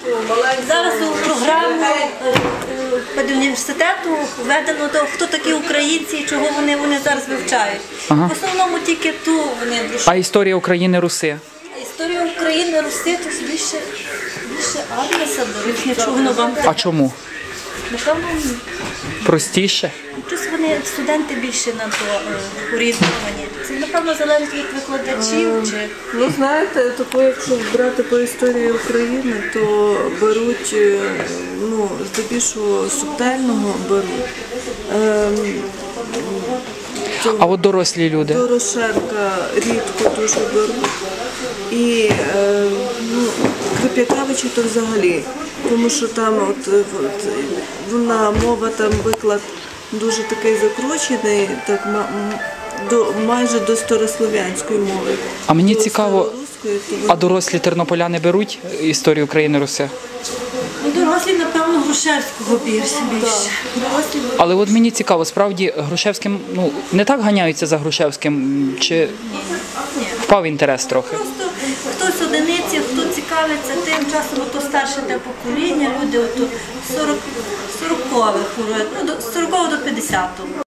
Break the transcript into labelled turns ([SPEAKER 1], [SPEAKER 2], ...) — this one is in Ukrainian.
[SPEAKER 1] Зараз у програму педуніверситету введено, хто такі українці і чого вони зараз вивчають. В основному тільки ту вони душу.
[SPEAKER 2] А історія України, Руси?
[SPEAKER 1] Історія України, Руси, то більше Адреса, бо нічого вам.
[SPEAKER 2] А чому?
[SPEAKER 1] Напевно,
[SPEAKER 2] Простіше?
[SPEAKER 1] плюс вони, студенти більше на то орієнтовані. Це, напевно, залежить від викладачів. Чи...
[SPEAKER 3] Ну, знаєте, тако, якщо брати по історії України, то беруть, ну, здебільшого субтельного беруть.
[SPEAKER 2] А от дорослі люди?
[SPEAKER 3] Дорошенка рідко дуже беруть. І ну, Крип'якавича то взагалі, тому що там вона мова, там виклад дуже такий закручений, так майже до старослов'янської мови.
[SPEAKER 2] А мені цікаво, а дорослі тернополяни беруть історію України, Руси?
[SPEAKER 1] Дорослі, напевно, Грушевського більше.
[SPEAKER 2] Але от мені цікаво, справді Грушевським, ну, не так ганяються за Грушевським, чи впав інтерес трохи?
[SPEAKER 1] Просто хтось одиниці, хто цікавиться тим часом, то старше те покоління, люди 40-х, ну, з 40-го до 50-го.